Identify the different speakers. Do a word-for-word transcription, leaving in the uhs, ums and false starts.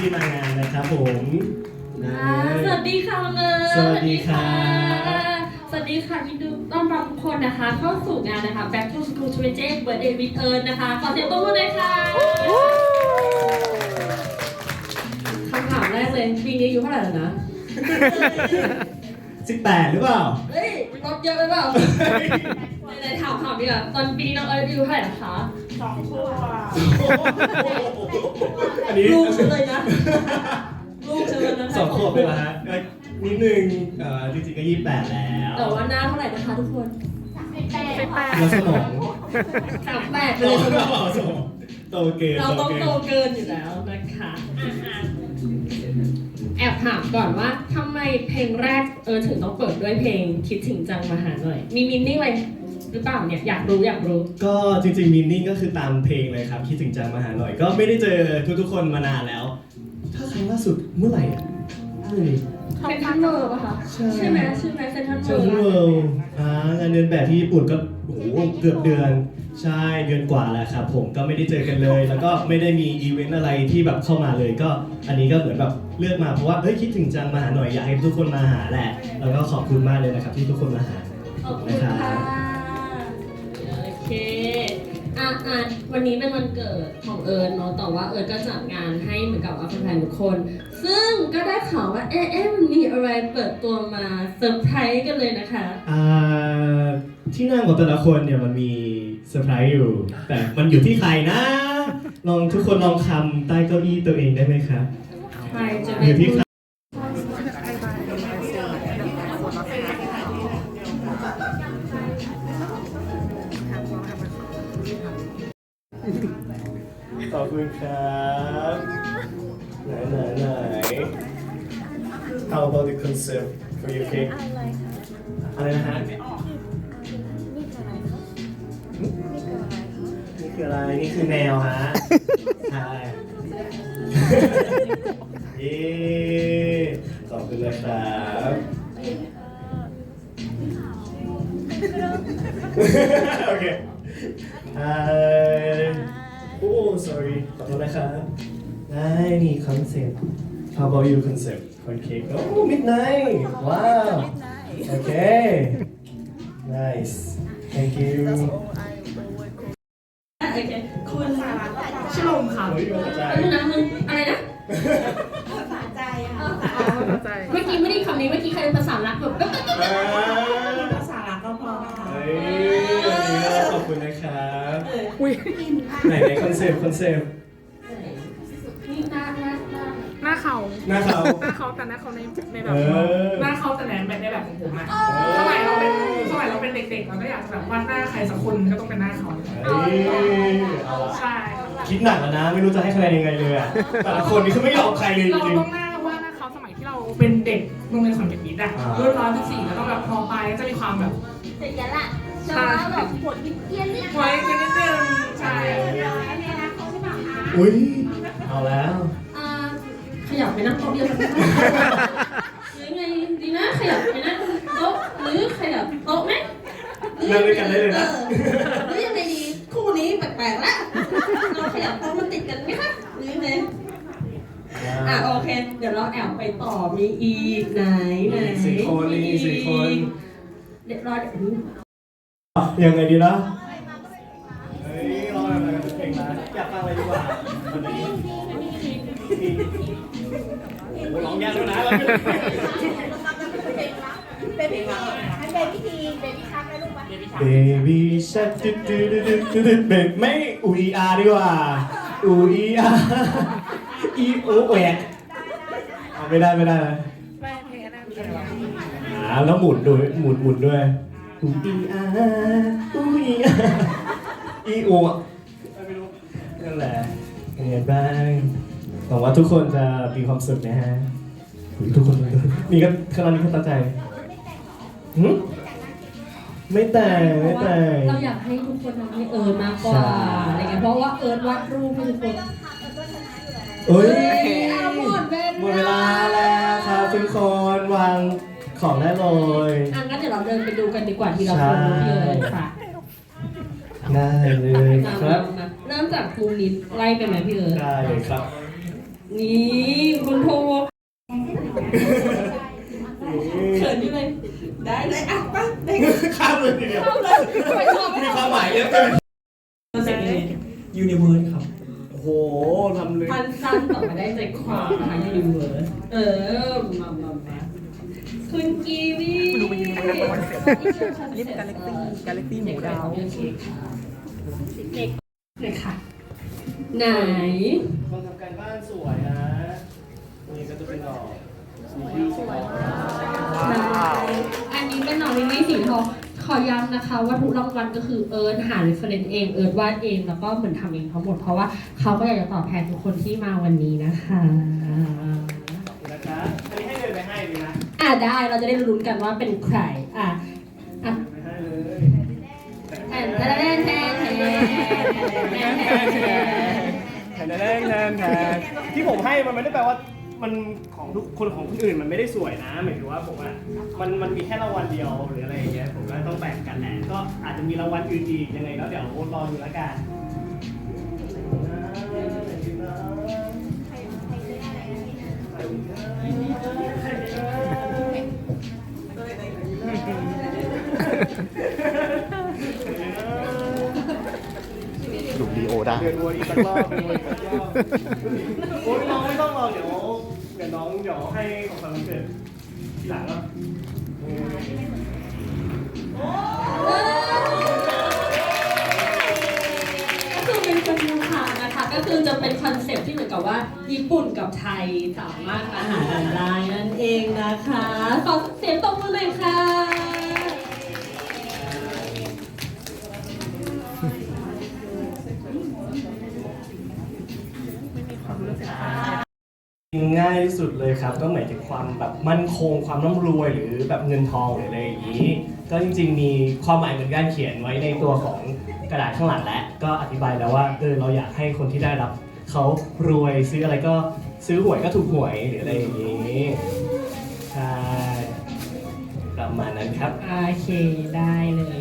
Speaker 1: ที่มางานนะครับผมนะ
Speaker 2: สวัสดีค่ะเนย
Speaker 1: สวัสดีค่ะ
Speaker 2: สวัสดีค่ะยินดีต้อนรับทุกคนนะคะเข้าสู่งานนะคะ Back to School ยี่สิบเจ็ด Birthday with Earn นะคะขอเสียงปรบมือหน่อยค่ะคำถามแรกเลยปีนี้อายุเท่าไหร่แล้วนะ
Speaker 1: สิบแปดหรือเปล่า
Speaker 2: เฮ้ยลดเยอะไปเปล่าไหนๆถามถามดีกว่าตอนปีนี้น้องเอิร์ธอายุเท่าไหร่นะคะ
Speaker 3: สองขวบ
Speaker 1: อันนี้
Speaker 2: ลูกฉันเลยนะลูกฉันเลยนะ
Speaker 1: สองขวบเลยเหรอฮะเอ้ยนิดนึงเอ่อจริงๆก็ยี่สิบแปดแล้ว
Speaker 2: แต่ว่าหน้าเท่าไหร่นะคะทุกคน
Speaker 1: แล้วสมอง
Speaker 2: สามแปดไป
Speaker 1: โต
Speaker 2: เลย
Speaker 1: สมองโตเกิน
Speaker 2: เราต้อง
Speaker 1: กิน
Speaker 2: โตเกินอยู่แล้วนะคะแอบถามก่อนว่าทำไมเพลงแรกเออถึงต้องเปิดด้วยเพลงคิดถึงจังมาหาหน่อย มีมินนิ่งอะไรหรือเปล่าเนี่ยอยากรู้อยากรู้
Speaker 1: ก็จริงๆมินนิ่งก็คือตามเพลงเลยครับคิดถึงจังมาหาหน่อย ก็ไม่ได้เจอทุกๆคนมานานแล้ว ถ้าครั้งล่าสุดเมื่อไหร่อ่ะเมื่อไหร่
Speaker 2: เซนทรัลเวิลด์ป่ะคะ
Speaker 1: ใช่
Speaker 2: ใช่ไหมใช่ไหมเซนทรัล
Speaker 1: เซ
Speaker 2: เวิ
Speaker 1: น
Speaker 2: ล
Speaker 1: ทรัล
Speaker 2: ด์
Speaker 1: เวิลด์อ่างานเดินแบบที่ญี่ปุ่นก็โอ้โหเกือบเดือนใช่เดือนกว่าแล้วครับผมก็ไม่ได้เจอกันเลย แล้วก็ไม่ได้มีอีเวนต์อะไรที่แบบเข้ามาเลย ก็อันนี้ก็เหมือนแบบเลือกมาเพราะว่าเฮ้ยคิดถึงจังมาหาหน่อยอยากให้ทุกคนมาหาแหละแล้วก็ขอบคุณมากเลยนะครับที่ทุกคนมาหา
Speaker 2: ขอบคุณค่ะโอเคอ่ะอ่ะวันนี้เป็นวันเกิดของเอิร์นเนาะแต่ว่าเอิร์นก็จัดงานให้เหมือนกับว่าแฟนๆทุกคน ซึ่งก็ได้ข่าวว่าเอ๊ะเอ๊ะมันมีอะไรเปิดตัวมาเซอร์ไพรส์กันเลยนะคะ
Speaker 1: อ่าที่นั่งของแต่ละคนเนี่ยมันมีเซอร์ไพรส์อยู่ แต่มันอยู่ที่ใครนะ ลองทุกคนลองคำใต้เก้าอี้ตัวเองได้ไหมครับ
Speaker 2: ใครจะ
Speaker 1: อ
Speaker 2: เป็น
Speaker 1: ยู่ที่
Speaker 2: ผู้
Speaker 1: ใครขอบคุณครับไหนไหนไหน How about the concept for your cake อะไรนะฮะนี่คืออะไร นี่คือแมวฮะ ใช่ เย้ขอบคุณนะครับโอเคอ่าโอ้ sorry ขอโทษนะครับได้นี่คอนเซ็ปต์ How about you concept for cake โอ้ midnight ว้าว โอเค nice thank you
Speaker 2: โอเคคุณชลมค่ะ
Speaker 1: เฮ้ยมาจาก
Speaker 2: แล้วนะมึงอะไรนะ
Speaker 3: ภาษาใจค่ะ
Speaker 2: เมื่อกี้ไม่ได้คำนี้เมื่อกี้ใครเป็นภาษารักแบบ
Speaker 1: อ่า
Speaker 3: ภาษารักก็พอค่ะ
Speaker 1: เฮ้ยวันนี้ก็ขอบคุณนะครับไหนในคอนเซปต์คอนเซปต์
Speaker 2: นี่หน้าหน้าหน้า
Speaker 4: หน้าเขา
Speaker 1: หน้าเขา
Speaker 4: หน้าเขาแต่หน้าเขาในในแบ
Speaker 1: เอบ อ
Speaker 4: หน้าเขาแต่ในแบบในแบบของผมอะสมัยเราเป็นสมัยเราเป็นเด็กๆเราก็อยากจะแบบวาดหน้าใครสักคนก็ต้องเป็นหน้าเขา
Speaker 1: เฮ้ยเอาละ
Speaker 4: ใช่
Speaker 1: คิดหนักแล้วนะ ไม่รู้จะให้คะแนนยังไงเลยอะแต่ละคนนี่คือไม่ยอมใครเลยจ
Speaker 4: เรา
Speaker 1: ริง
Speaker 4: ต้องหน้าวาดหน้าเขาสมัยที่เราเป็นเด็กโรงเรียนขอนแก่นมิตรอะ
Speaker 1: อ่า
Speaker 4: รุ่นร้อยสิบสี่แล้วก็แบบพอไปก็จะมีความแบบ
Speaker 3: เสร็จแล้วล่ะจะมาแบบปวดเกี้ยนนิด
Speaker 4: ไว้กันนิดนึงใช่
Speaker 3: ในอนาคตใช่ไหมคะ
Speaker 1: ๆอุ้ยเอาแล้ว
Speaker 2: อ่าขยับไปนั่งโต๊ะเดียวกันหรือไงดีนะขยับไปนั่งโต๊ะหรือขยับโต๊ะไหม
Speaker 1: นั่งด้วยกันได้เลยนะ
Speaker 2: หรือยังไงดีคู่นี้แปลกๆละเราขยับโต๊ะมันติดกันไหมคะหรือยังไงอ่ะโอเค เดี๋ยวเราแอบไปต่อมีอีกไหนไหน
Speaker 1: สี่คนนี่สี่คน
Speaker 2: เดี๋ยวรอเดี๋ยวดู
Speaker 1: ยังไงดีนะเฮ้ยรออะไรกันเพลงนะอยากฟังอะไรดีกว่าวันนี้โอ้ร้องยากด้วยนะเราไม่ได้
Speaker 3: เบบี้ให้เบบี้ทีเบบี้ชักได้ลูกปะ
Speaker 1: Baby shark ตึ๊ดตึ๊ดตึ๊ดตึ๊ดตึ๊ดเบบี้ไม่อูอีอาร์ดีกว่าอูอีอาร์อีโอแหวกเอาไม่ได้ไม่ได้นะอ่าแล้วหมุนด้วยหมุนหมุนด้วยอูอีอาร์อูอีอาร์อีโออ่ะไม่รู้นั่นแหละเป็นไงบ้างหวังว่าทุกคนจะมีความสุขนะฮะทุกคนนี่ก็ขนาดนี้ก็ตั้งใจหืมไม่แต่งไม่แต่ง
Speaker 2: เราอยากให้ทุกคนทำให้เอิร์นมากกว่า
Speaker 1: ใช่
Speaker 2: อะไรเงี้ยเพราะว่าเอิร์นวาดรูปให้ทุกคน
Speaker 1: เอ้ย
Speaker 2: เอาหมดเว
Speaker 1: หมดเวลาแล้วครับทุกคนวางของได้เลย
Speaker 2: อ่ะงั้นเดี๋ยวเราเดินไปดูกันดีกว่าทีละคนที่เอิร์นค่ะ
Speaker 1: ได้เลยครับ
Speaker 2: มาเริ่มจากมุมนี้ไล่ไปไหมพี่เอิร์น
Speaker 1: ได้เลยครับ
Speaker 2: นี่คุณโทเขินอยู่เลย ได้เลยอ่ะไปได้
Speaker 1: ข้ามเลยทีเดียว
Speaker 2: เข้าเลยไปชอบ
Speaker 1: มีความหมายเยอะเกิน
Speaker 2: เสร็จเลย
Speaker 5: ยูนิเวิร์สครับ
Speaker 1: โอ้โหทำเลย
Speaker 2: พันสั้นต่อมาได้ใจความนะคะยูนิเวิร์สเออมามามาคุณกีวีดูเป็นยูนิเวิร์สคอนเซ็ปต์
Speaker 5: นี่เป็นกาแล็กซี่กาแล็กซี่หมูดาว
Speaker 2: เด็กเลยค่ะ ไหน
Speaker 1: คนทำการบ้านสวยนะนี่ก็จะเป็นดอกสีสวย
Speaker 2: อันนี้เป็นน้องลิลลี่สีทองขอย้ำนะคะว่าทุกรางวัลก็คือเอิร์ธหา reference เองเอิร์ธวาดเองแล้วก็เหมือนทำเองทั้งหมดเพราะว่าเขาก็อยากจะตอบแทนทุกคนที่มาวันนี้นะคะ
Speaker 1: ขอบคุณนะคะอันนี้ให้เดินไปให้ดีนะ
Speaker 2: อ่ะได้เราจะได้ลุ้นกันว่าเป็นใครอ่ะอ่ะ
Speaker 1: ไปให้เลย
Speaker 2: แทนแทนแทนแทนแทนแทนแทน
Speaker 1: แทนแทนแทนแทนที่ผมให้มันไม่ได้แปลว่ามันของทุกคนของคนอื่นมันไม่ได้สวยนะหมายถึงว่าผมอ่ะมันมันมีแค่รางวัลเดียวหรืออะไรอย่างเงี้ยผมก็ต้องแบ่งกันแหละก็อาจจะมีรางวัลอื่นอีกยังไงแล้วเดี๋ยวรอดูแล้วกัน
Speaker 6: ดูดีโอได้
Speaker 1: เดือนวนอีกสักรอบเดือนวนอีกสักรอบโอ้ยน้องไม่ต้องรอเดี๋ยวเดี๋ยวน้องเดี๋ยวให้ของขวัญวันเกิดทีหลังเนาะ
Speaker 2: ก็คือเป็นคนยูคานะคะก็คือจะเป็นคอนเซ็ปต์ที่เหมือนกับว่าญี่ปุ่นกับไทยสามารถมาหากันได้นั่นเองนะคะขอเสียงตบมือหน่อยค่ะ
Speaker 1: ง่ายที่สุดเลยครับก็หมายถึงความแบบมั่นคงความร่ำรวยหรือแบบเงินทองหรืออะไรอย่างนี้ ก็จริงๆมีความหมายเหมือนกันเขียนไว้ในตัวของกระดาษข้างหลังแล้วก็อธิบายแล้วว่าเออเราอยากให้คนที่ได้รับเขารวยซื้ออะไรก็ซื้อหวยก็ถูกหวยหรืออะไรอย่างนี้ใช่ประมาณนั้นครับ
Speaker 2: โอเคได้เลย